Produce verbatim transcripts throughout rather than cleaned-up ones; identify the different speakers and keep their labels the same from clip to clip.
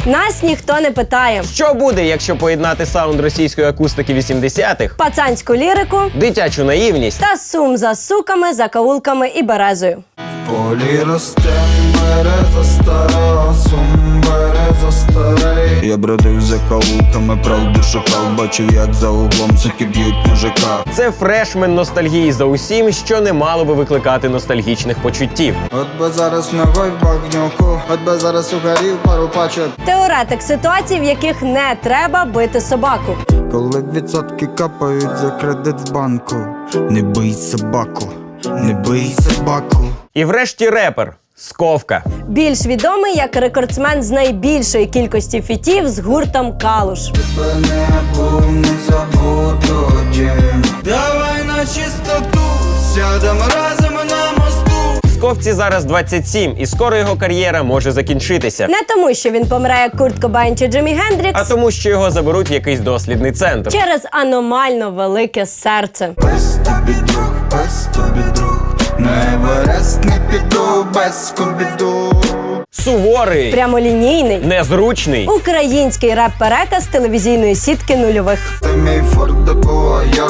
Speaker 1: Нас ніхто не питає.
Speaker 2: Що буде, якщо поєднати саунд російської акустики вісімдесятих,
Speaker 1: Пацанську лірику
Speaker 2: дитячу наївність
Speaker 1: та сум за суками, закаулками і березою.
Speaker 3: В полі росте береза стара, сум береза старий. Я бродив за каулками, правду шукав, бачив, як за углом суки б'ють мужика.
Speaker 2: Це фрешмен ностальгії за усім, що не мало би викликати ностальгічних почуттів.
Speaker 3: От би зараз ногой в багнюку, от би зараз угорів пару пачок.
Speaker 1: Теоретик ситуацій, в яких не треба бити собаку.
Speaker 3: Коли відсотки капають за кредит в банку. Не бий собаку, не бий собаку.
Speaker 2: І врешті репер Сковка.
Speaker 1: Більш відомий як рекордсмен з найбільшої кількості фітів з гуртом Калуш.
Speaker 3: Тебе не був, не забуду, дім. Давай на чистоту, сядемо разом на мосту.
Speaker 2: Сковці зараз двадцять сім, і скоро його кар'єра може закінчитися.
Speaker 1: Не тому, що він помре як Курт Кобейн чи Джиммі Гендрікс,
Speaker 2: А тому, що його заберуть в якийсь дослідний центр.
Speaker 1: через аномально велике серце.
Speaker 3: Без тобі друг, без тобі друг. На Еверест не піду, без скубіду.
Speaker 2: Суворий,
Speaker 1: Прямолінійний,
Speaker 2: незручний.
Speaker 1: український реп-переказ телевізійної сітки нульових.
Speaker 3: Ти мій фордебояр,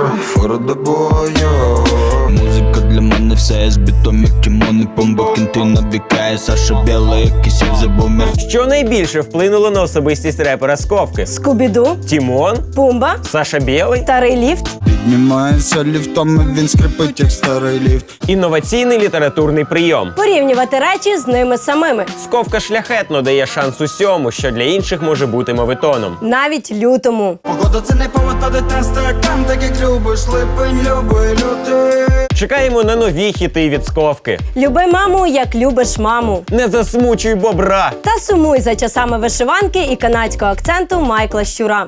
Speaker 3: фордебояр. Музика для мене все з бітом, як Тімон і Помба. Кінти набікає, Саша Біла, як кисів за бомер.
Speaker 2: Що найбільше вплинуло на особистість репера Сковки?
Speaker 1: Скубіду,
Speaker 2: Тімон?
Speaker 1: Пумба,
Speaker 2: Саша Білий?
Speaker 1: Старий ліфт.
Speaker 3: Піднімається ліфтом, і він скрипить, як старий ліфт.
Speaker 2: Інноваційний літературний прийом.
Speaker 1: Порівнювати речі з ними самими.
Speaker 2: Сковка шляхетно дає шанс усьому, що для інших може бути мовитоном.
Speaker 1: Навіть лютому.
Speaker 3: Погода це не повод падати стакан, так як любиш, липень, любий, лютий.
Speaker 2: Чекаємо на нові хіти від Сковки.
Speaker 1: Люби маму, як любиш маму.
Speaker 2: Не засмучуй бобра.
Speaker 1: Та сумуй за часами вишиванки і канадського акценту Майкла Щура.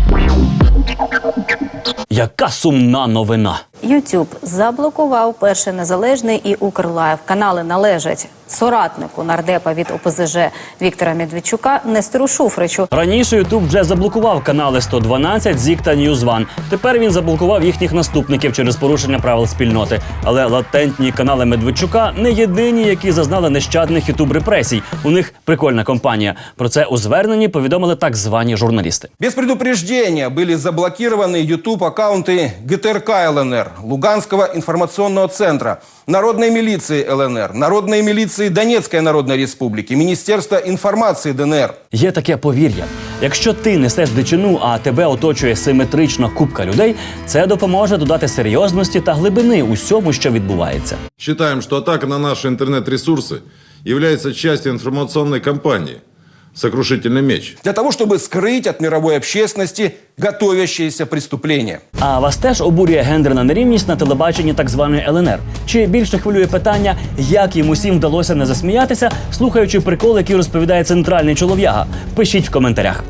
Speaker 4: Яка сумна новина.
Speaker 5: YouTube заблокував Перший Незалежний і Укрлайв. Канали належать соратнику нардепа від О Пе Зе Же Віктора Медведчука Нестору Шуфричу.
Speaker 4: Раніше YouTube вже заблокував канали сто дванадцять, Зік та Ньюзван. Тепер він заблокував їхніх наступників через порушення правил спільноти. Але латентні канали Медведчука не єдині, які зазнали нещадних ютуб-репресій. У них прикольна компанія. Про це у зверненні повідомили так звані журналісти.
Speaker 6: Без предупреждения были заблокированы YouTube-аккаунты Ге Те Ер Ка Ел Ен Ер, Луганского информационного центра, Народной милиции Ел Ен Ер, Народной милиции Донецкой Народной Республики, Министерства информации Де Ен Ер.
Speaker 4: Є таке повір'я. Якщо ти несеш дичину, а тебе оточує симетрична купка людей, це допоможе додати серйозності та глибини усьому, що відбувається.
Speaker 7: Считаем, что атака на наши интернет-ресурсы является частью информационной кампании «Сокрушительный меч».
Speaker 6: Для того, чтобы скрыть от мировой общественности готовящиеся преступления.
Speaker 4: А вас теж обурює гендерна нерівність на телебаченні так званої Ел Ен Ер? Чи більше хвилює питання, як їм усім вдалося не засміятися, слухаючи прикол, який розповідає центральний чолов'яга? Пишіть в коментарях.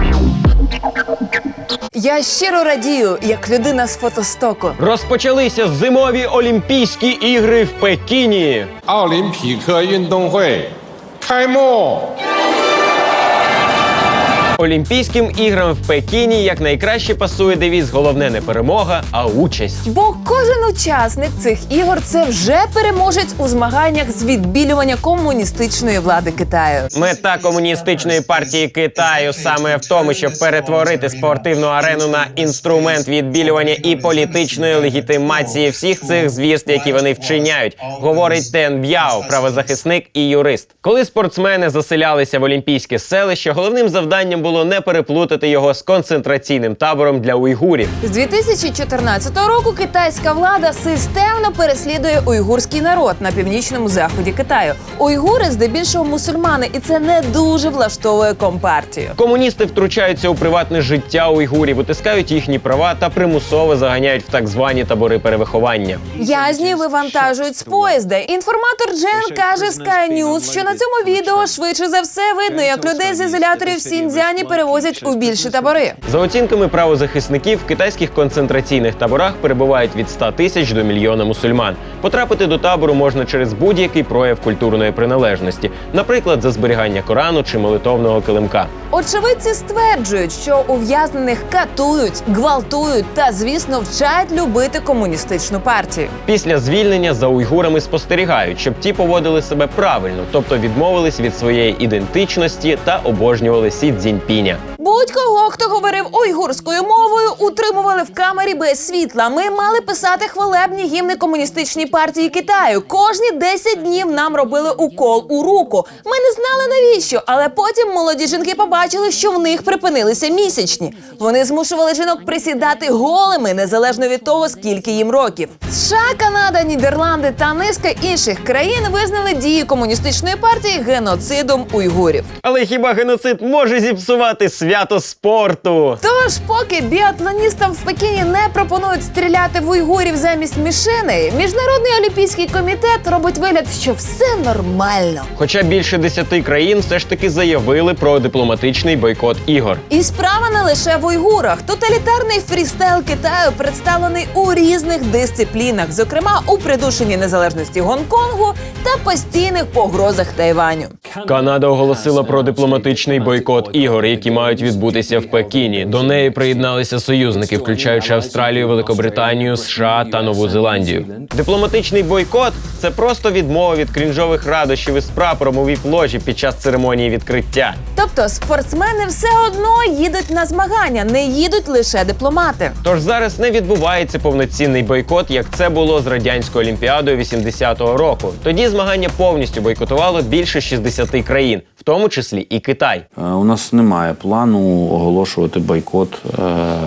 Speaker 8: Я щиро радію, як людина з фотостоку.
Speaker 2: Розпочалися зимові Олімпійські ігри в Пекіні.
Speaker 9: 奥林匹克运动会开幕。
Speaker 2: Олімпійським іграм в Пекіні якнайкраще пасує девіз «Головне не перемога, а участь».
Speaker 8: Бо кожен учасник цих ігор – це вже переможець у змаганнях з відбілювання комуністичної влади Китаю.
Speaker 2: Мета комуністичної партії Китаю саме в тому, щоб перетворити спортивну арену на інструмент відбілювання і політичної легітимації всіх цих звірств, які вони вчиняють, говорить Тен Б'яо, правозахисник і юрист. Коли спортсмени заселялися в олімпійське селище, головним завданням було не переплутати його з концентраційним табором для уйгурів.
Speaker 8: З дві тисячі чотирнадцятого року китайська влада системно переслідує уйгурський народ на північному заході Китаю. Уйгури здебільшого мусульмани, і це не дуже влаштовує компартію.
Speaker 2: Комуністи втручаються у приватне життя уйгурів, утискають їхні права та примусово заганяють в так звані табори перевиховання.
Speaker 8: В'язні вивантажують з поїзда. Інформатор Джен каже Sky News, що на цьому відео швидше за все видно, як людей з ізоляторів в Сіньцзяні перевозять у більші табори.
Speaker 2: За оцінками правозахисників, в китайських концентраційних таборах перебувають від ста тисяч до мільйона мусульман. Потрапити до табору можна через будь-який прояв культурної приналежності, наприклад, за зберігання Корану чи молитовного килимка.
Speaker 8: Очевидці стверджують, що ув'язнених катують, гвалтують та, звісно, вчать любити комуністичну партію.
Speaker 2: Після звільнення за уйгурами спостерігають, щоб ті поводили себе правильно, тобто відмовились від своєї ідентичності та обожнювали Сі Цзіньпіня.
Speaker 8: Будь-кого, хто говорив уйгурською мовою, утримували в камері без світла. Ми мали писати хвалебні гімни комуністичній партії Китаю. Кожні десять днів нам робили укол у руку. Ми не знали навіщо, але потім молоді жінки побачили, що в них припинилися місячні. Вони змушували жінок присідати голими, незалежно від того, скільки їм років. США, Канада, Нідерланди та низка інших країн визнали дії комуністичної партії геноцидом уйгурів.
Speaker 2: Але хіба геноцид може зіпсувати свято спорту?
Speaker 8: Тож, поки біатлоністам в Пекіні не пропонують стріляти в уйгурів замість мішеней, Міжнародний олімпійський комітет робить вигляд, що все нормально.
Speaker 2: Хоча більше десяти країн все ж таки заявили про дипломатичний бойкот ігор.
Speaker 8: І справа не лише в уйгурах. Тоталітарний фрістайл Китаю представлений у різних дисциплінах, зокрема у придушенні незалежності Гонконгу та постійних погрозах Тайваню.
Speaker 2: Канада оголосила про дипломатичний бойкот ігор, які мають відбутися в Пекіні. До неї приєдналися союзники, включаючи Австралію, Великобританію, США та Нову Зеландію. Дипломатичний бойкот – це просто відмова від крінжових радощів із прапором у віп-ложі під час церемонії відкриття.
Speaker 8: Тобто спортсмени все одно їдуть на змагання, не їдуть лише дипломати.
Speaker 2: Тож зараз не відбувається повноцінний бойкот, як це було з радянською олімпіадою вісімдесятого року. Тоді змагання повністю бойкотувало більше шістдесяти країн, в тому числі і Китай.
Speaker 10: У нас немає плану оголошувати бойкот е-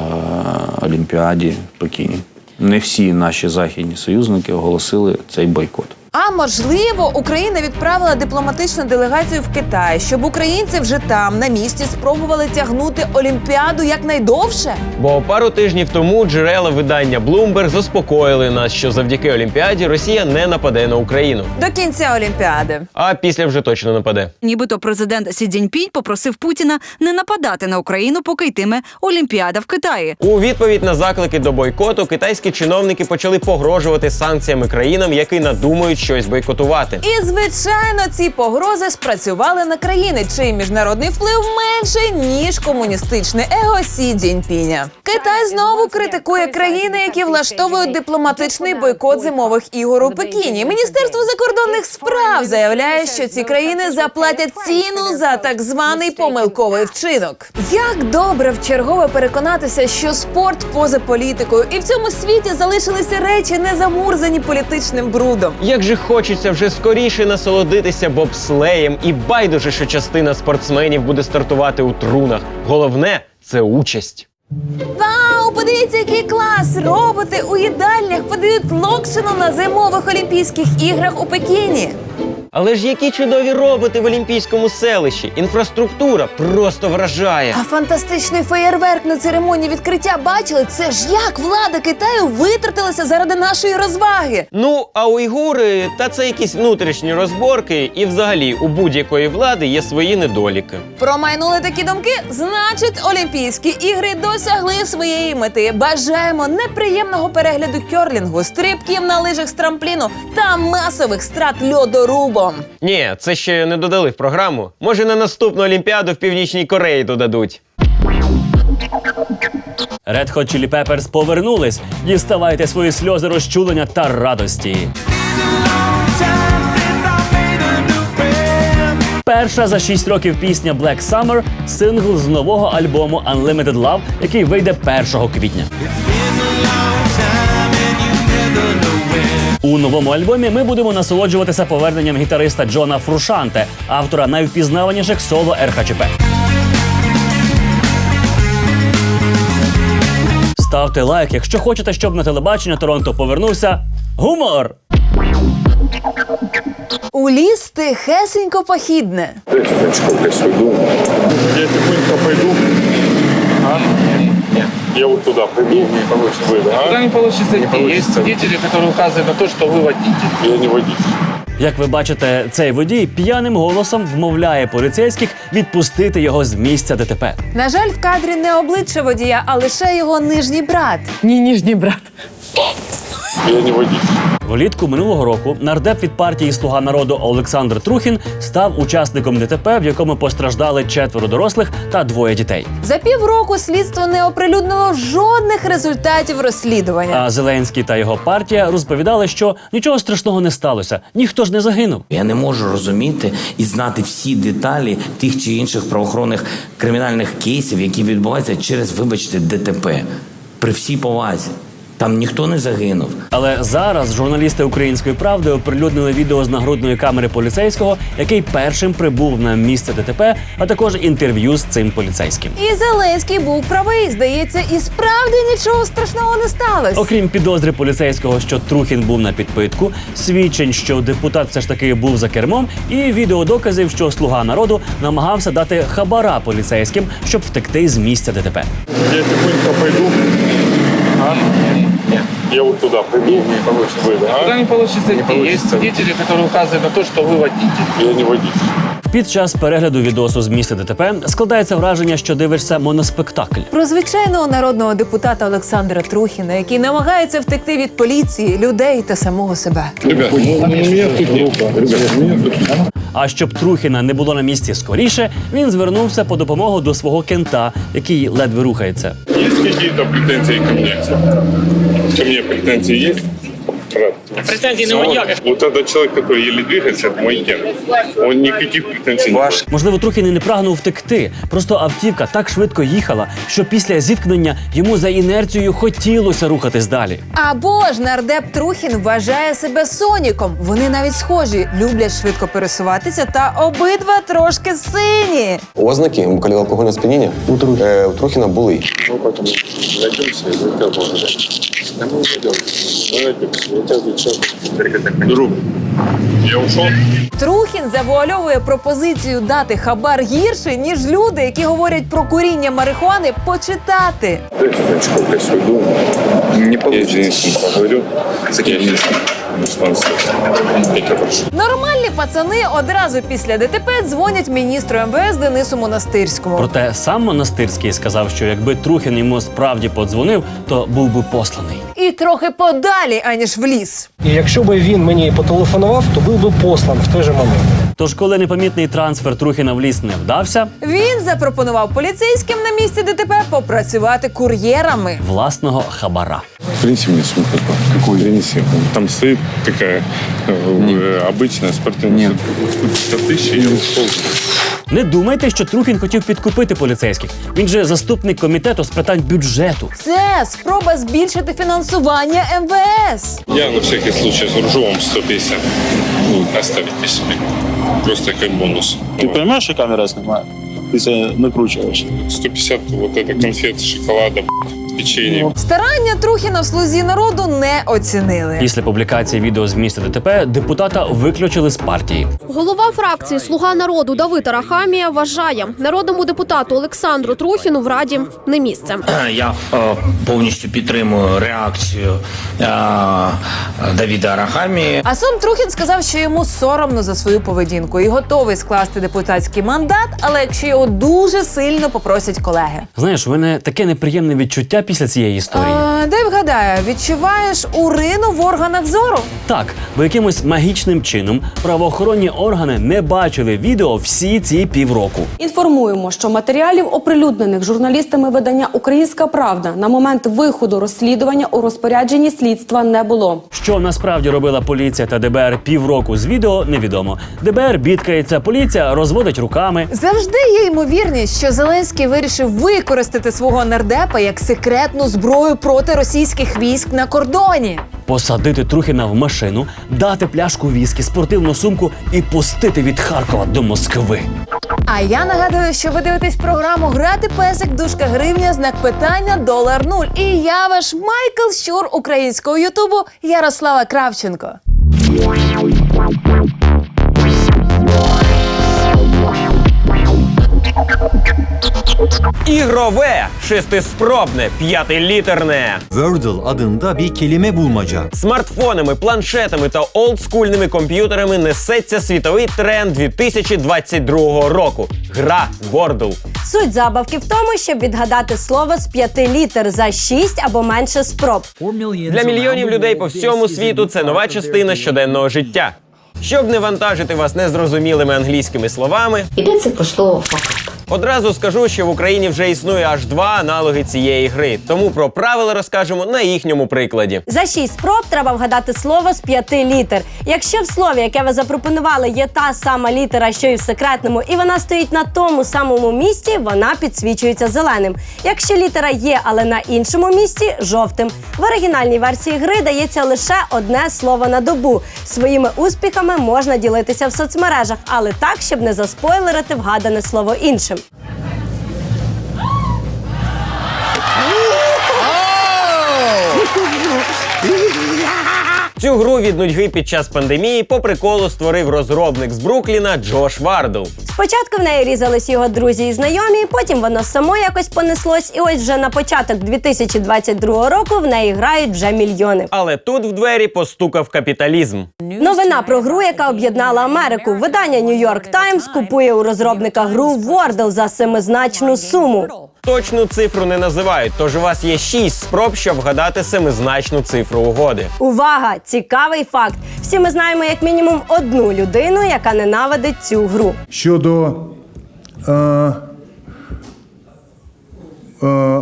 Speaker 10: Олімпіаді в Пекіні. Не всі наші західні союзники оголосили цей бойкот.
Speaker 8: А можливо, Україна відправила дипломатичну делегацію в Китай, щоб українці вже там, на місці, спробували тягнути Олімпіаду якнайдовше?
Speaker 2: Бо пару тижнів тому джерела видання Bloomberg заспокоїли нас, що завдяки Олімпіаді Росія не нападе на Україну.
Speaker 8: До кінця Олімпіади.
Speaker 2: А після вже точно нападе.
Speaker 11: Нібито президент Сі Цзіньпінь попросив Путіна не нападати на Україну, поки йтиме Олімпіада в Китаї.
Speaker 2: У відповідь на заклики до бойкоту китайські чиновники почали погрожувати санкціями країнам, які надумають щось бойкотувати.
Speaker 8: І, звичайно, ці погрози спрацювали на країни, чий міжнародний вплив менший, ніж комуністичне его Сі Цзіньпіня. Китай знову критикує країни, які влаштовують дипломатичний бойкот зимових ігор у Пекіні. Міністерство закордонних справ заявляє, що ці країни заплатять ціну за так званий помилковий вчинок. Як добре вчергове переконатися, що спорт поза політикою, і в цьому світі залишилися речі, не замурзані політичним брудом.
Speaker 2: Як же хочеться вже скоріше насолодитися бобслеєм, і байдуже, що частина спортсменів буде стартувати у трунах. Головне – це участь.
Speaker 8: Вау, подивіться, який клас! Роботи у їдальнях подають локшину на зимових Олімпійських іграх у Пекіні.
Speaker 2: Але ж які чудові роботи в Олімпійському селищі. Інфраструктура просто вражає.
Speaker 8: А фантастичний феєрверк на церемонії відкриття бачили? Це ж як влада Китаю витратилася заради нашої розваги.
Speaker 2: Ну, а уйгури – та це якісь внутрішні розборки, і взагалі у будь-якої влади є свої недоліки.
Speaker 8: Промайнули такі думки? Значить, Олімпійські ігри досягли своєї мети. Бажаємо неприємного перегляду кьорлінгу, стрибків на лижах з трампліну та масових страт льодорубом.
Speaker 2: Ні, це ще не додали в програму. Може, на наступну Олімпіаду в Північній Кореї додадуть.
Speaker 4: Red Hot Chili Peppers повернулись. Діставайте свої сльози розчулення та радості. Перша за шість років пісня Black Summer – сингл з нового альбому Unlimited Love, який вийде першого квітня. У новому альбомі ми будемо насолоджуватися поверненням гітариста Джона Фрушанте, автора найвпізнаваніших соло Ер Ха Че Пе. Ставте лайк, якщо хочете, щоб на телебачення Торонто повернувся гумор!
Speaker 8: У ліс тихесенько похідне.
Speaker 9: Я тихонько пойду. А? Нет. Я вот туда пойду. Не получится. Вы, да?
Speaker 12: Туда не получится идти. Есть свидетели, которые указывают на то, что вы водитель.
Speaker 9: Я не водитель.
Speaker 4: Як ви бачите, цей водій п'яним голосом вмовляє поліцейських відпустити його з місця Де Те Пе.
Speaker 8: На жаль, в кадрі не обличчя водія, а лише його нижній брат.
Speaker 12: Не нижний брат.
Speaker 9: Я не водитель.
Speaker 4: Влітку минулого року нардеп від партії «Слуга народу» Олександр Трухін став учасником ДТП, в якому постраждали четверо дорослих та двоє дітей.
Speaker 8: За півроку слідство не оприлюднило жодних результатів розслідування.
Speaker 4: А Зеленський та його партія розповідали, що нічого страшного не сталося, ніхто ж не загинув.
Speaker 13: Я не можу розуміти і знати всі деталі тих чи інших правоохоронних кримінальних кейсів, які відбуваються через, вибачте, ДТП. При всій повазі. Там ніхто не загинув.
Speaker 4: Але зараз журналісти «Української правди» оприлюднили відео з нагрудної камери поліцейського, який першим прибув на місце ДТП, а також інтерв'ю з цим поліцейським.
Speaker 8: І Зеленський був правий. Здається, і справді нічого страшного не сталося.
Speaker 4: Окрім підозри поліцейського, що Трухін був на підпитку, свідчень, що депутат все ж таки був за кермом, і відеодоказів, що «Слуга народу» намагався дати хабара поліцейським, щоб втекти з місця ДТП.
Speaker 9: Я тихонько пойду. А? Нет. Я вот туда приду. Не получится. Вы, да?
Speaker 12: Куда не получится идти? Есть свидетели, которые указывают на то, что вы водитель.
Speaker 9: Я не водитель.
Speaker 4: Під час перегляду відосу з місця ДТП складається враження, що дивишся моноспектакль.
Speaker 8: Про звичайного народного депутата Олександра Трухіна, який намагається втекти від поліції, людей та самого себе.
Speaker 9: Ребят, ну, у меня тут группа. Ребят, у меня тут...
Speaker 4: А щоб Трухіна не було на місці скоріше, він звернувся по допомогу до свого кента, який ледве рухається.
Speaker 9: Есть какие-то претензии ко мне? Ко мне претензии есть?
Speaker 12: Претензий не моя.
Speaker 9: Вот этот человек, который еле двигается, это мой ген. Он никаких претензий не имеет.
Speaker 4: Можливо, Трухін і не прагнув втекти. Просто автівка так швидко їхала, що після зіткнення йому за інерцією хотілося рухатись далі.
Speaker 8: Або ж нардеп Трухін вважає себе Соніком. Вони навіть схожі, люблять швидко пересуватися та обидва трошки сині.
Speaker 14: Ознаки алкогольного сп'яніння у Трухіна були.
Speaker 9: Ну, поэтому найдемся и хотел бы сказать. Да мы уйдем. Найдемся. Я тебя отвечаю. Друг, я ушел.
Speaker 8: Трухін завуальовує пропозицію дати хабар гірше, ніж люди, які говорять про куріння марихуани, почитати.
Speaker 9: Дайте очко, я свой дом. Не получится. Я Денисом поговорю. Я Денисом.
Speaker 8: Нормальні пацани одразу після ДТП дзвонять міністру ем ве ес Денису Монастирському.
Speaker 4: Проте сам Монастирський сказав, що якби Трухін йому справді подзвонив, то був би посланий.
Speaker 8: І трохи подалі, аніж в ліс.
Speaker 15: І якщо б він мені потелефонував, то був би послан в той же момент.
Speaker 4: Тож, коли непомітний трансфер Трухіна в ліс не вдався,
Speaker 8: він запропонував поліцейським на місці ДТП попрацювати кур'єрами.
Speaker 4: Власного хабара.
Speaker 9: Принеси мне сумку. Какую? Принеси. Там стоит такая э, обычная спортивная сто тысяч и ушел.
Speaker 4: Не думайте, що Трухін хотів підкупити поліцейських. Він же заступник комітету з питань бюджету.
Speaker 8: Це спроба збільшити фінансування ем ве ес.
Speaker 9: Я на всякий случай загружу вам сто пятьдесят. Ну, оставите себе. Просто как бонус.
Speaker 16: Ты понимаешь, что камера снимает? Ты себя накручиваешь.
Speaker 9: сто пятьдесят вот это конфет, шоколада, печенье.
Speaker 8: Старання Трухіна в «Слузі народу» не оцінили.
Speaker 4: Після публікації відео з місця ДТП депутата виключили з партії.
Speaker 17: Голова фракції «Слуга народу» Давид Арахамія вважає, народному депутату Олександру Трухіну в Раді не місце.
Speaker 13: Я е, повністю підтримую реакцію е, Давіда Арахамії.
Speaker 8: А сам Трухін сказав, що йому соромно за свою поведінку і готовий скласти депутатський мандат, але якщо його дуже сильно попросять колеги.
Speaker 4: Знаєш, у мене таке неприємне відчуття після цієї історії.
Speaker 8: А, дай вгадаю, відчуваєш урину в органах зору?
Speaker 4: Так, бо якимось магічним чином правоохоронні органи не бачили відео всі ці півроку.
Speaker 18: Інформуємо, що матеріалів, оприлюднених журналістами видання «Українська правда», на момент виходу розслідування у розпорядженні слідства не було.
Speaker 4: Що насправді робила поліція та де бе ер півроку з відео, невідомо. де бе ер бідкається, поліція розводить руками.
Speaker 8: Завжди є ймовірність, що Зеленський вирішив використати свого нардепа як секретну зброю проти російських військ на кордоні.
Speaker 4: Посадити Трухіна в машину, дати пляшку віскі, спортивну сумку і пустити від Харкова до Москви.
Speaker 8: А я нагадую, що ви дивитесь програму «Грати песик, дужка гривня, знак питання, долар нуль». І я ваш Майкл Щур українського ютубу Ярослава Кравченко.
Speaker 2: Ігрове, шестиспробне, п'ятилітерне.
Speaker 19: Wordle adında bir kelime bulmaca.
Speaker 2: Смартфонами, планшетами та олдскульними комп'ютерами несеться світовий тренд дві тисячі двадцять другого року. Гра Wordle.
Speaker 1: Суть забавки в тому, щоб відгадати слово з п'яти літер за шість або менше спроб.
Speaker 2: Для мільйонів людей по всьому світу це нова частина щоденного життя. Щоб не вантажити вас незрозумілими англійськими словами,
Speaker 20: йдеться про слово «факап».
Speaker 2: Одразу скажу, що в Україні вже існує аж два аналоги цієї гри, тому про правила розкажемо на їхньому прикладі.
Speaker 1: За шість спроб треба вгадати слово з п'яти літер. Якщо в слові, яке ви запропонували, є та сама літера, що і в секретному, і вона стоїть на тому самому місці, вона підсвічується зеленим. Якщо літера є, але на іншому місці – жовтим. В оригінальній версії гри дається лише одне слово на добу. Своїми успіхами можна ділитися в соцмережах, але так, щоб не заспойлерити вгадане слово іншим.
Speaker 2: Цю гру від нудьги під час пандемії по приколу створив розробник з Брукліна Джош Вардл.
Speaker 1: Спочатку в неї різались його друзі і знайомі, потім воно само якось понеслось, і ось вже на початок дві тисячі двадцять другого року в неї грають вже мільйони.
Speaker 2: Але тут в двері постукав капіталізм.
Speaker 1: Новина про гру, яка об'єднала Америку. Видання New York Times купує у розробника гру Wordle за семизначну суму.
Speaker 2: Точну цифру не називають, тож у вас є шість спроб, щоб вгадати семизначну цифру угоди.
Speaker 1: Увага! Цікавий факт. Всі ми знаємо як мінімум одну людину, яка ненавидить цю гру.
Speaker 21: Щодо е, е, е,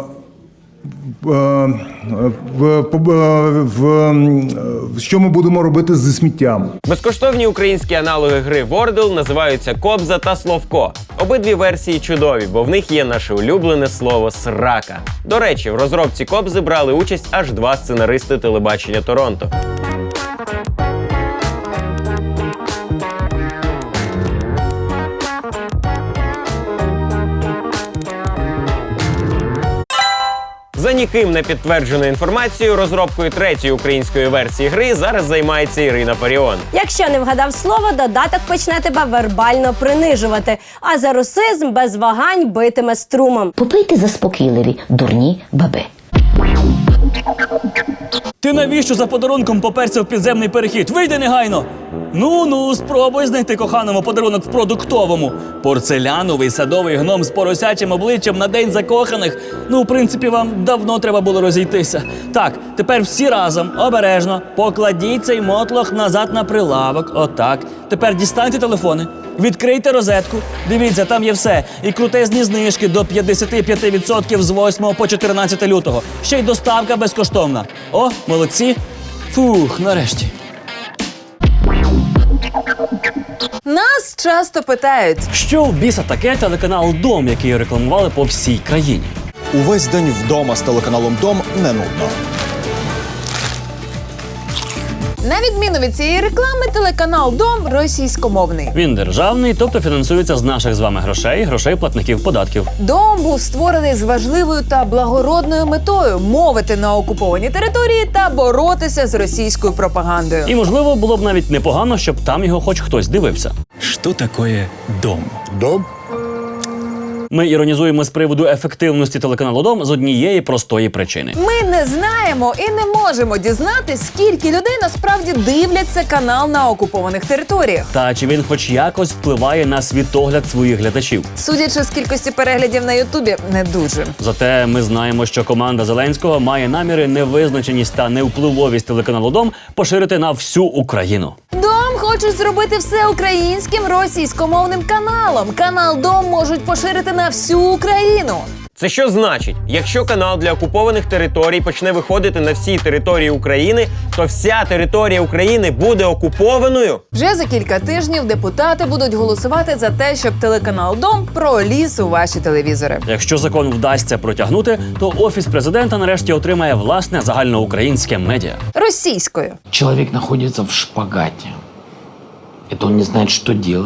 Speaker 21: в, в, в, що ми будемо робити зі сміттям?
Speaker 2: Безкоштовні українські аналоги гри Wordle називаються Кобза та Словко. Обидві версії чудові, бо в них є наше улюблене слово «срака». До речі, в розробці Кобзи брали участь аж два сценаристи телебачення Торонто. За ніким не підтвердженою інформацією, розробкою третьої української версії гри зараз займається Ірина Фаріон.
Speaker 1: Якщо не вгадав слово, додаток почне тебе вербально принижувати, а за русизм без вагань битиме струмом.
Speaker 20: Попийте заспокійливі, дурні баби.
Speaker 4: Ти навіщо за подарунком поперся в підземний перехід? Вийди негайно! Ну-ну, спробуй знайти коханому подарунок в продуктовому. Порцеляновий садовий гном з поросячим обличчям на день закоханих. Ну, в принципі, вам давно треба було розійтися. Так, тепер всі разом, обережно, покладіть цей мотлох назад на прилавок. Отак. Тепер дістаньте телефони, відкрийте розетку. Дивіться, там є все. І крутезні знижки до п'ятдесят п'ять відсотків з восьмого по чотирнадцяте лютого. Ще й доставка безкоштовна. О, молодці. Фух, нарешті.
Speaker 8: Нас часто питають,
Speaker 4: що в біса таке телеканал «Дом», який рекламували по всій країні.
Speaker 22: Увесь день вдома з телеканалом «Дом» не нудно.
Speaker 8: на відміну від цієї реклами, телеканал «Дом» російськомовний.
Speaker 4: Він державний, тобто фінансується з наших з вами грошей, грошей платників податків.
Speaker 8: «Дом» був створений з важливою та благородною метою – мовити на окупованій території та боротися з російською пропагандою.
Speaker 4: І, можливо, було б навіть непогано, щоб там його хоч хтось дивився.
Speaker 23: Що таке «Дом»?
Speaker 22: «Дом»?
Speaker 4: Ми іронізуємо з приводу ефективності телеканалу «Дом» з однієї простої причини.
Speaker 8: Ми не знаємо і не можемо дізнатись, скільки людей насправді дивляться канал на окупованих територіях.
Speaker 4: Та чи він хоч якось впливає на світогляд своїх глядачів.
Speaker 8: Судячи з кількості переглядів на Ютубі, не дуже.
Speaker 4: Зате ми знаємо, що команда Зеленського має наміри невизначеність та невпливовість телеканалу «Дом» поширити на всю Україну.
Speaker 8: «Дом» хочуть зробити все українським російськомовним каналом. Канал «Дом» можуть поширити на всю Україну.
Speaker 2: Це що значить? Якщо канал для окупованих територій почне виходити на всі території України, то вся територія України буде окупованою?
Speaker 8: Вже за кілька тижнів депутати будуть голосувати за те, щоб телеканал «Дом» проліз у ваші телевізори.
Speaker 4: Якщо закон вдасться протягнути, то Офіс президента нарешті отримає власне загальноукраїнське медіа.
Speaker 8: Російською.
Speaker 13: Человек находится в шпагате. Это он не знает, что делать.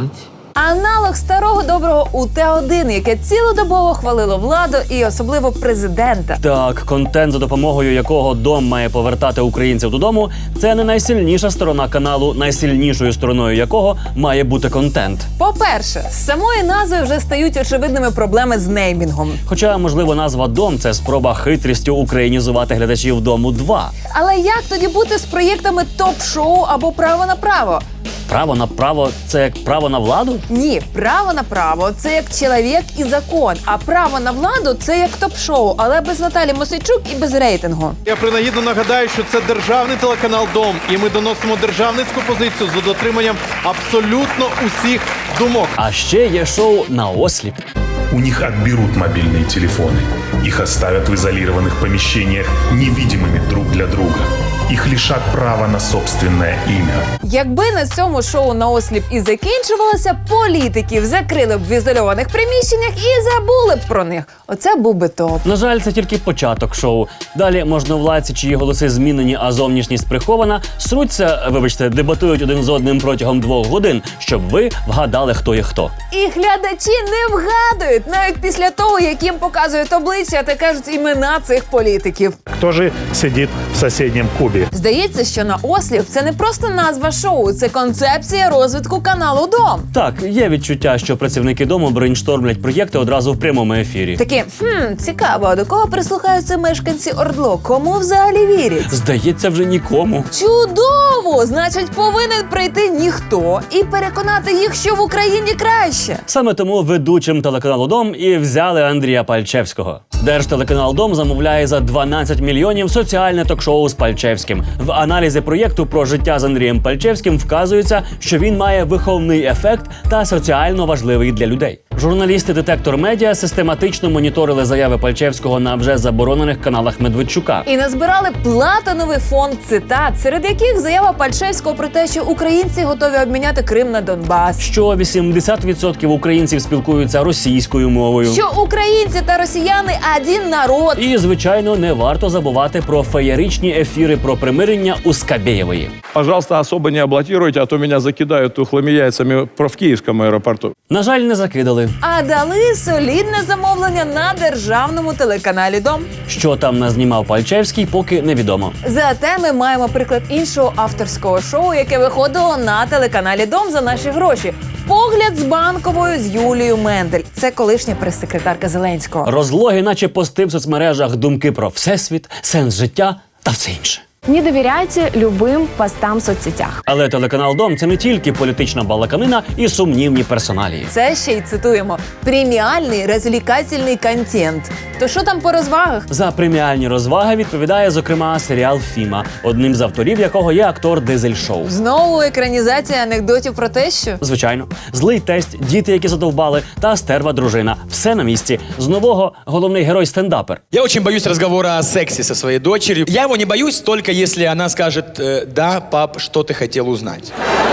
Speaker 8: Аналог старого доброго У Т один, яке цілодобово хвалило владу і особливо президента.
Speaker 4: Так, контент, за допомогою якого дом має повертати українців додому, це не найсильніша сторона каналу, найсильнішою стороною якого має бути контент.
Speaker 8: По-перше, з самої назви вже стають очевидними проблеми з неймінгом.
Speaker 4: Хоча, можливо, назва «Дом» – це спроба хитрістю українізувати глядачів «Дому два».
Speaker 8: Але як тоді бути з проєктами топ-шоу або «Право на право»?
Speaker 4: Право на право – це як право на владу?
Speaker 8: Ні, право на право – це як чоловік і закон, а право на владу – це як топ-шоу, але без Наталі Мосійчук і без рейтингу.
Speaker 3: Я принагідно нагадаю, що це державний телеканал «Дом», і ми доносимо державницьку позицію за дотриманням абсолютно усіх думок.
Speaker 4: А ще є шоу «Наосліп».
Speaker 5: У них отберут мобильные телефоны. Их оставят в изолированных помещениях невидимыми друг для друга. Их лишат права на собственное имя.
Speaker 8: Якби на цьому шоу «Наосліп» і закінчувалося, політиків закрили б в ізольованих приміщеннях і забули б про них. Оце був би топ.
Speaker 4: На жаль, це тільки початок шоу. Далі можновладці, чиї голоси змінені, а зовнішність прихована, сруться, вибачте, дебатують один з одним протягом двох годин, щоб ви вгадали, хто є хто.
Speaker 8: І глядачі не вгадують, навіть після того, як їм показують обличчя та кажуть імена цих політиків.
Speaker 5: Кто же сидит в соседнем кубе?
Speaker 8: Здається, що «Наосліп» – це не просто назва шоу, це концепція розвитку каналу «Дом».
Speaker 4: Так, є відчуття, що працівники дому брейнштормлять проєкти одразу в прямому ефірі.
Speaker 8: Такі, хм, цікаво, а до кого прислухаються мешканці Ордло? Кому взагалі вірять?
Speaker 4: Здається, вже нікому.
Speaker 8: Чудово! Значить, повинен прийти ніхто і переконати їх, що в Україні краще.
Speaker 4: Саме тому ведучим телеканалу «Дом» і взяли Андрія Пальчевського. Держтелеканал «Дом» замовляє за дванадцять мільйонів соціальне ток-шоу з Пальчевським. В аналізі проєкту про життя з Андрієм Пальчевським вказується, що він має виховний ефект та соціально важливий для людей. Журналісти «Детектор Медіа» систематично моніторили заяви Пальчевського на вже заборонених каналах Медведчука.
Speaker 8: І назбирали платиновий фонд цитат, серед яких заява Пальчевського про те, що українці готові обміняти Крим на Донбас.
Speaker 4: Що вісімдесят відсотків українців спілкуються російською мовою.
Speaker 8: Що українці та росіяни – один народ.
Speaker 4: І, звичайно, не варто забувати про феєричні ефіри про примирення у Скабєєвої.
Speaker 16: Пожалуйста, особо не облатируйте, а то меня закидают тухлыми яйцами в Киевском аэропорту.
Speaker 4: На жаль, не закидали.
Speaker 8: А дали солідне замовлення на державному телеканалі «Дом».
Speaker 4: Що там назнімав Пальчевський, поки невідомо.
Speaker 8: Зате ми маємо приклад іншого авторського шоу, яке виходило на телеканалі «Дом» за наші гроші. «Погляд з Банковою» з Юлією Мендель. Це колишня прес-секретарка Зеленського.
Speaker 4: Розлоги, наче пости в соцмережах, думки про всесвіт, сенс життя та все інше.
Speaker 7: Не довіряйте любим постам в соцсетях.
Speaker 4: Але телеканал «Дом» – це не тільки політична балаканина і сумнівні персоналії.
Speaker 8: Це ще й, цитуємо, преміальний розвлекательний контент. То що там по розвагах?
Speaker 4: За преміальні розваги відповідає, зокрема, серіал «Фіма», одним з авторів якого є актор Дизель Шоу.
Speaker 8: Знову екранізація анекдотів про тещу?
Speaker 4: Звичайно. Злий тесть, діти, які задовбали, та стерва дружина. Все на місці. З нового головний герой-стендапер.
Speaker 24: Я очень боюсь разговора о сексе со своей дочерью. Я его не боюсь, только если она скажет э, «Да, пап, что ты хотел узнать?»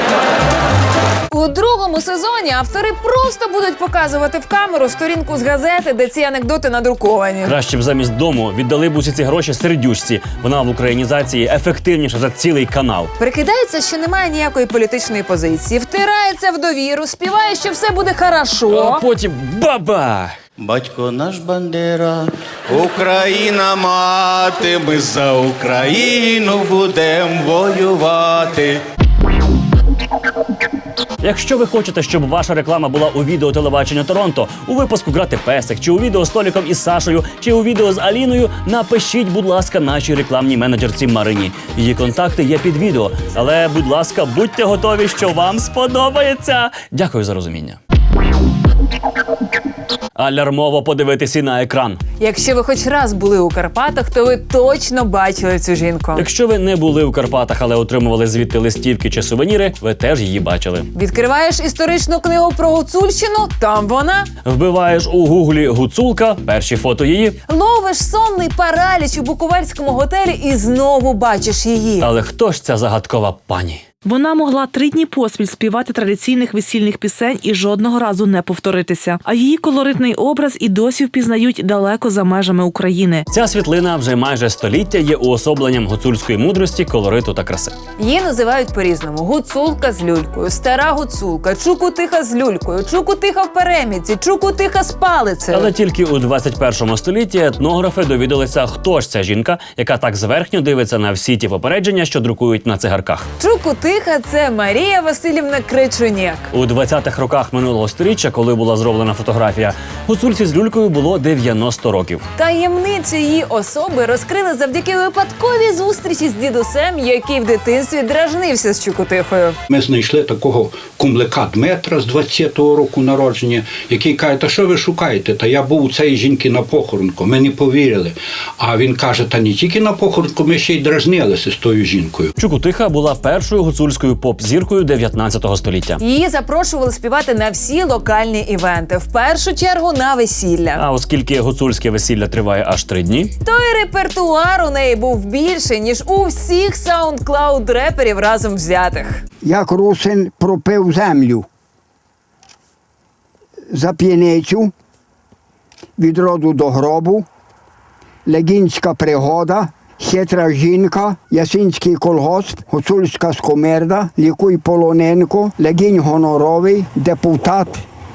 Speaker 8: У другому сезоні автори просто будуть показувати в камеру сторінку з газети, де ці анекдоти надруковані.
Speaker 4: Краще б замість «Дому» віддали б усі ці гроші сердючці. Вона в українізації ефективніша за цілий канал.
Speaker 8: Прикидається, що немає ніякої політичної позиції, втирається в довіру, співає, що все буде хорошо.
Speaker 4: А потім баба!
Speaker 25: Батько наш Бандера, Україна мати, ми за Україну будем воювати.
Speaker 4: Якщо ви хочете, щоб ваша реклама була у відео телебачення Торонто, у випуску «Грати песик», чи у відео з Толіком із Сашою, чи у відео з Аліною, напишіть, будь ласка, нашій рекламній менеджерці Марині. Її контакти є під відео. Але, будь ласка, будьте готові, що вам сподобається. Дякую за розуміння. Алярмово подивитися на екран.
Speaker 8: Якщо ви хоч раз були у Карпатах, то ви точно бачили цю жінку.
Speaker 4: Якщо ви не були у Карпатах, але отримували звідти листівки чи сувеніри, ви теж її бачили.
Speaker 8: Відкриваєш історичну книгу про Гуцульщину, там вона.
Speaker 4: Вбиваєш у гуглі «Гуцулка», перші фото її.
Speaker 8: Ловиш сонний параліч у буковельському готелі і знову бачиш її.
Speaker 4: Але хто ж ця загадкова пані?
Speaker 6: Вона могла три дні поспіль співати традиційних весільних пісень і жодного разу не повторитися. А її колоритний образ і досі впізнають далеко за межами України.
Speaker 4: Ця світлина вже майже століття є уособленням гуцульської мудрості, колориту та краси.
Speaker 8: Її називають по-різному: гуцулка з люлькою, стара гуцулка, чукутиха з люлькою, чукутиха в переміці, чукутиха з палицею.
Speaker 4: Але тільки у двадцять першому столітті етнографи довідалися, хто ж ця жінка, яка так зверхньо дивиться на всі ті попередження, що друкують на цигарках.
Speaker 8: Чукутиха – це Марія Василівна Кричуняк.
Speaker 4: У двадцятих роках минулого сторіччя, коли була зроблена фотографія, гуцульці з люлькою було дев'яносто років.
Speaker 8: Таємницю її особи розкрили завдяки випадковій зустрічі з дідусем, який в дитинстві дражнився з Чукутихою.
Speaker 10: Ми знайшли такого кумлика Дмитра з двадцятого року народження, який каже: та що ви шукаєте? Та я був у цієї жінки на похоронку. Ми не повірили. А він каже: та не тільки на похоронку, ми ще й дражнилися з тою жінкою.
Speaker 4: Чукутиха була першою гуцульською поп-зіркою дев'ятнадцятого століття.
Speaker 8: Її запрошували співати на всі локальні івенти, в першу чергу на весілля.
Speaker 4: А оскільки гуцульське весілля триває аж три дні,
Speaker 8: то й репертуар у неї був більший, ніж у всіх саундклауд-реперів разом взятих.
Speaker 11: Як русин пропив землю за п'яницю, від роду до гробу, легінська пригода, хитра жінка, ясинський колгосп, гуцульська скомерда, лікуй Полоненко, легінь гоноровий, депутат,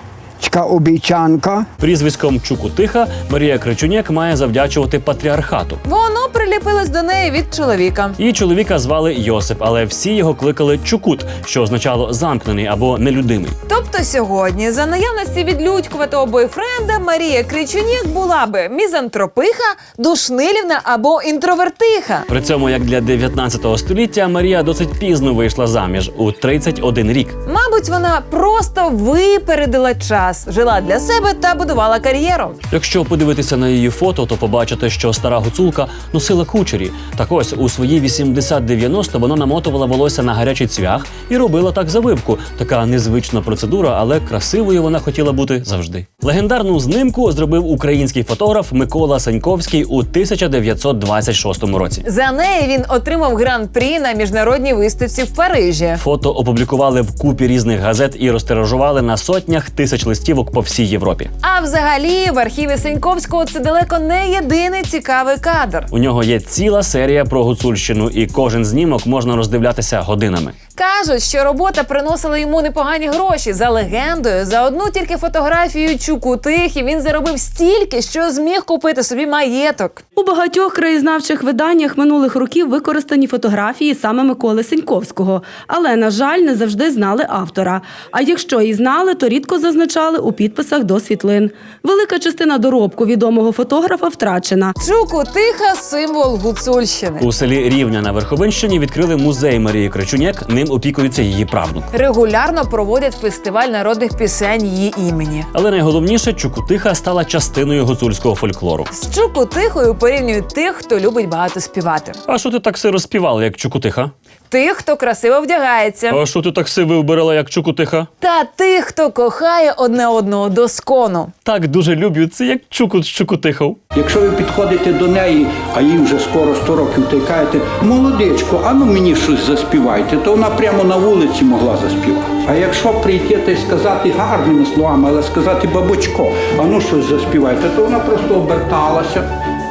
Speaker 11: обіцянка.
Speaker 4: Прізвиськом Чукутиха Марія Кричуняк має завдячувати патріархату.
Speaker 8: Воно приліпилось до неї від чоловіка.
Speaker 4: Її чоловіка звали Йосип, але всі його кликали Чукут, що означало замкнений або нелюдимий.
Speaker 8: Тобто сьогодні, за наявності відлюдькуватого бойфренда, Марія Кричуняк була би мізантропиха, душнилівна або інтровертиха.
Speaker 4: При цьому, як для дев'ятнадцятого століття, Марія досить пізно вийшла заміж, у тридцять один рік.
Speaker 8: Мабуть, вона просто випередила час, жила для себе та будувала кар'єру.
Speaker 4: Якщо подивитися на її фото, то побачите, що стара гуцулка носила кучері. Так ось, у свої вісімдесят-дев'яносто вона намотувала волосся на гарячий цвях і робила так завивку. Така незвична процедура, але красивою вона хотіла бути завжди. Легендарну знимку зробив український фотограф Микола Саньковський у тисяча дев'ятсот двадцять шостому році.
Speaker 8: За неї він отримав гран-прі на міжнародній виставці в Парижі.
Speaker 4: Фото опублікували в купі різних газет і розтиражували на сотнях тисяч листівок по всій Європі.
Speaker 8: А взагалі, в архіві Саньковського це далеко не єдиний цікавий кадр.
Speaker 4: У нього є ціла серія про Гуцульщину, і кожен знімок можна роздивлятися годинами.
Speaker 8: Кажуть, що робота приносила йому непогані гроші. За легендою, за одну тільки фотографію Чукутихи він заробив стільки, що зміг купити собі маєток.
Speaker 12: У багатьох краєзнавчих виданнях минулих років використані фотографії саме Миколи Саньковського. Але, на жаль, не завжди знали автора. А якщо і знали, то рідко зазначали у підписах до світлин. Велика частина доробку відомого фотографа втрачена.
Speaker 8: Чукутиха – символ гуцульщини.
Speaker 4: У селі Рівня на Верховинщині відкрили музей Марії Кричуняк, ним опікується її правнук.
Speaker 8: Регулярно проводять фестиваль народних пісень її імені.
Speaker 4: Але найголовніше, Чукутиха стала частиною гуцульського фольклору.
Speaker 8: З Чукутихою порівнюють тих, хто любить багато співати.
Speaker 4: А що ти так сиро співала, як Чукутиха?
Speaker 8: Тих, хто красиво вдягається.
Speaker 4: А що ти так сиви вбирала, як Чукутиха?
Speaker 8: Та тих, хто кохає одне одного до скону.
Speaker 4: Так дуже люблю, це як Чукут з Чукутихов.
Speaker 10: Якщо ви підходите до неї, а їй вже скоро сто років, та й кажете: молодечко, а ну мені щось заспівайте, то вона прямо на вулиці могла заспівати. А якщо прийти та й сказати гарними словами, але сказати: бабочко, а ну щось заспівайте, то вона просто оберталася.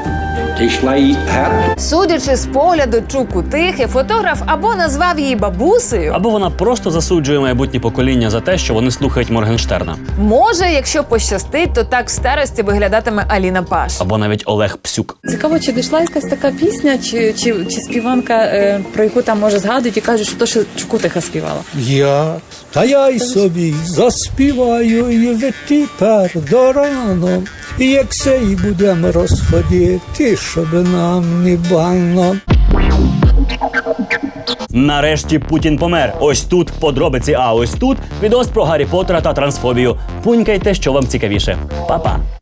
Speaker 10: Йшла їй геть.
Speaker 8: Судячи з погляду Чукутихи, фотограф або назвав її бабусею,
Speaker 4: або вона просто засуджує майбутнє покоління за те, що вони слухають Моргенштерна.
Speaker 8: Може, якщо пощастить, то так в старості виглядатиме Аліна Паш.
Speaker 4: Або навіть Олег Псюк.
Speaker 14: Цікаво, чи дійшла якась така пісня, чи, чи, чи співанка, е, про яку там, може, згадують і кажуть, що то, що Чукутиха співала.
Speaker 26: Я, та я й собі заспіваю, і ви тепер до рано. І як сей будемо розходити, щоб нам не бано.
Speaker 4: Нарешті Путін помер. Ось тут подробиці, а ось тут відос про Гаррі Поттера та трансфобію. Пунькайте, що вам цікавіше. Па-па!